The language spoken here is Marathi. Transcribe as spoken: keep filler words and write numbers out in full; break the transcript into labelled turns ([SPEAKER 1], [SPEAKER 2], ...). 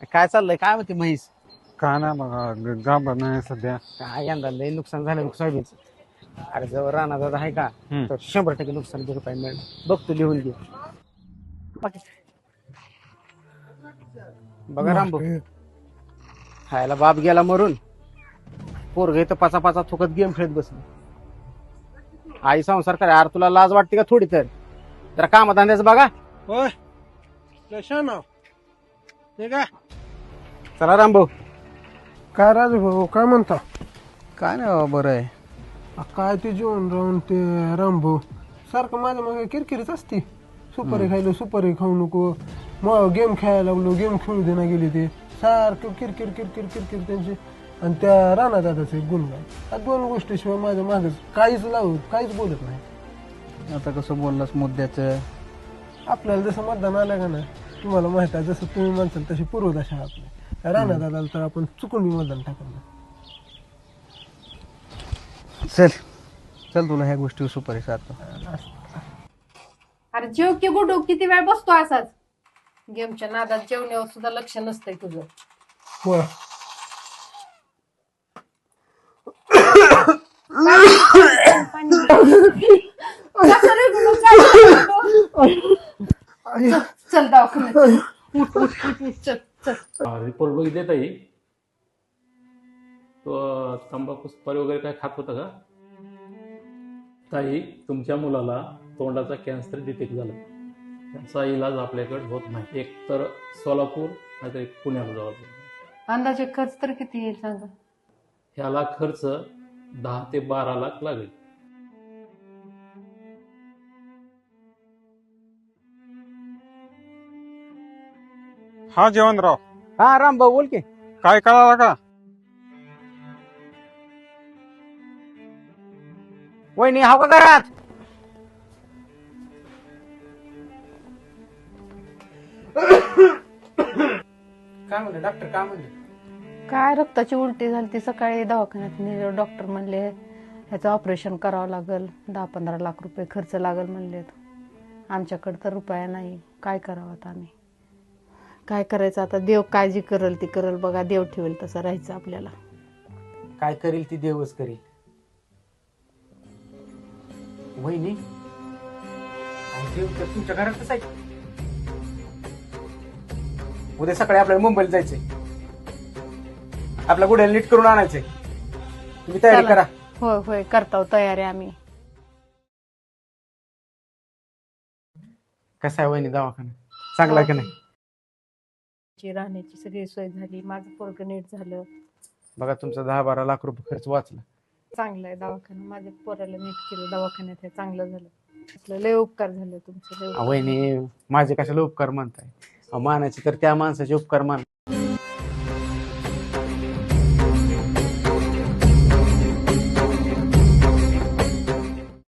[SPEAKER 1] काय चाललंय काय म्हणते म्हैस?
[SPEAKER 2] का ना बघा गाभा नाही सध्या.
[SPEAKER 1] काय यंदा लय नुकसान झालं बघ सोयाबीनचं. अरे जवळ राणा दादा आहे का
[SPEAKER 2] हम्म.
[SPEAKER 1] तर शंभर टक्के नुकसान भरपाई मिळणार बघ तू लिहून घे. बाकी बघा रामभाऊ खायला बाप गेला मरून पोरग इथं पाचा पाचा थुकत गेम खेळत बसली. आई संसार करा यार तुला लाज वाटते का थोडी तर जरा कामधंद्याचं बघा.
[SPEAKER 3] होय कशा नाव ते काय
[SPEAKER 1] चला रामभाऊ.
[SPEAKER 3] काय राजू भाऊ काय म्हणता?
[SPEAKER 1] काय नाही बरं आहे.
[SPEAKER 3] आ, काय ते जेवण राहून ते रामभाऊ सारखं माझ्या मागे किरकिरीच असते. सुपारी खायलो सुपारी खाऊ नको मग गेम खेळायला लागलो गेम खेळू देना गेले ते सारखं किरकिर किरकिर किरकिर त्यांची आणि त्या राणा दादाचे गुणगान या दोन गोष्टीशिवाय माझ्या मागच काहीच लावत काहीच बोलत नाही.
[SPEAKER 1] आता कसं बोललास मुद्द्याचं.
[SPEAKER 3] आपल्याला जसं मतदान आलं का नाही तुम्हाला माहित आहे जसं तुम्ही म्हणसाल तशी पूर्वदशा आहे आपली राणा दादाला तर आपण चुकून बी मतदान टाकलं.
[SPEAKER 1] चल चल तुला ह्या गोष्टी सुपारी सारखं.
[SPEAKER 4] अरे जेव की गुडू किती वेळ बसतो असाच गेमच्या नादात जेवण्यावर सुद्धा लक्ष नसतंय तुझं.
[SPEAKER 3] होय
[SPEAKER 4] चल दवाखान्यात उठ उठ उठ उठ चल चल.
[SPEAKER 5] रिपोर्ट बघितले ताई तो तंबाखू सुपारी वगैरे काय खात होता का? ताई तुमच्या मुलाला तोंडाचा कॅन्सर डिटेक्ट झाला. त्याचा इलाज आपल्याकडे होत नाही. एक तर सोलापूर नाहीतर एक पुण्याला जावं लागेल.
[SPEAKER 4] अंदाजे खर्च तर किती येईल सांगा?
[SPEAKER 5] ह्याला खर्च दहा ते बारा लाख लागेल.
[SPEAKER 2] हा जेवणराव
[SPEAKER 1] हा रामभाऊ बोल की.
[SPEAKER 2] काय कळाला का?
[SPEAKER 1] वहिनी हाव का घरात? काय म्हणले डॉक्टर काय म्हणले?
[SPEAKER 4] काय रक्ताची उलटी झाली ती सकाळी दवाखान्यात नेले डॉक्टर म्हणले ह्याचं ऑपरेशन करावं लागेल दहा पंधरा लाख रुपये खर्च लागेल म्हणले. आमच्याकडे तर रुपया नाही काय करावं आता आम्ही काय करायचं आता देव काळजी करेल ती करेल बघा देव ठेवेल तसं राहायचं आपल्याला.
[SPEAKER 1] काय करील ती देवच करील. वहिनी अहो, देव तर तुमच्या घरातच आहे. उद्या सकाळी आपल्याला मुंबईला जायचंय. आपल्या गुड्याला नीट करून आणायचंय. तुम्ही तयारी
[SPEAKER 4] चला.
[SPEAKER 1] करा.
[SPEAKER 4] होय होय करतो तयारी आम्ही.
[SPEAKER 1] कसा आहे वहिनी दवाखाना चांगला आहे का नाही?
[SPEAKER 4] राहण्याची सगळी सोय झाली माझं पोरग नीट झालं.
[SPEAKER 1] बघा तुमचा दहा बारा लाख रुपये खर्च वाचला.
[SPEAKER 4] चांगलं आहे दवाखाना माझ्या पोराला नीट केलं दवाखान्यात हे चांगलं झालं. असलं लय उपकार झाले तुमचे लय उपकार.
[SPEAKER 1] वहिनी माझे कशाला उपकार मानताय? अहो, मानायचे तर त्या माणसाचे उपकार मान.